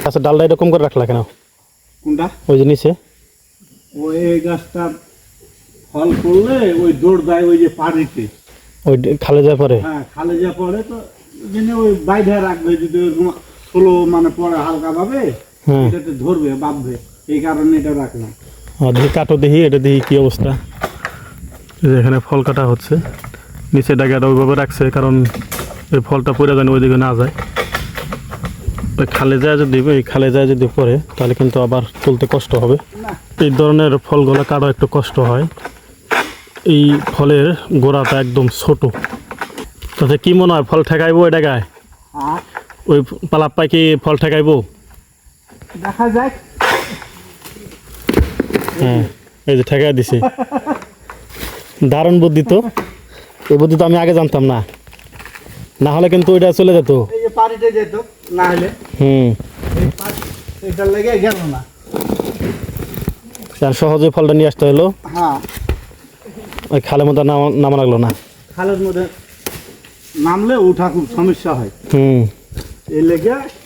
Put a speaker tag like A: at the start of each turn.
A: গাছের ডালটা এরকম করে রাখলা কেন?
B: কোনটা?
A: ওই যে নিচে
B: ওই গাছটা ফল করলে ওই দৌড় দেয় ওই যে পানিতে,
A: ওই খালে যায় পরে।
B: হ্যাঁ খালে যা পড়ে তো জেনে ওই বাইরে রাখবে, যদি ওরকম স্লো মানে পড়ে হালকা ভাবে
A: হ্যাঁ
B: এটাতে ধরবে বাঁধবে, এই কারণে এটা রাখলাম।
A: দেখি কাটো, দেখি এটা, দেখি কি অবস্থা। এই যে এখানে ফল কাটা হচ্ছে, নিচে ডাগাটা ওইভাবে রাখছে কারণ এই ফলটা পড়ে যেন ওইদিকে না যায়। ওই খালে যায় যদি, এই খালে যায় যদি পড়ে তাহলে কিন্তু আবার তুলতে কষ্ট হবে। এই ধরনের ফলগুলো কাটা একটু কষ্ট হয়। এই ফলের গোড়াটা একদম ছোট। তাতে কি মনে হয় ফল ঠেকাইবো ওই ডাগায়?
B: আর
A: ওই পালাপ্পায় কি ফল ঠেকাইবো?
B: দেখা যাক।
A: হ্যাঁ এই যে ঠেকাই দিছে। দারুণ বুদ্ধি তো, এই বুদ্ধি তো আমি আগে জানতাম না, না হলে কিন্তু ওইটা চলে যেত।
B: এই যে পানিতে যেত না হলে এটা লেগে গেল না।
A: সহজে ফলটা নিয়ে আসতে হলো,
B: হ্যাঁ
A: ওই খালের মধ্যে নামা লাগলো না।
B: খালের মধ্যে নামলে উঠা খুব সমস্যা হয়, এই লেগে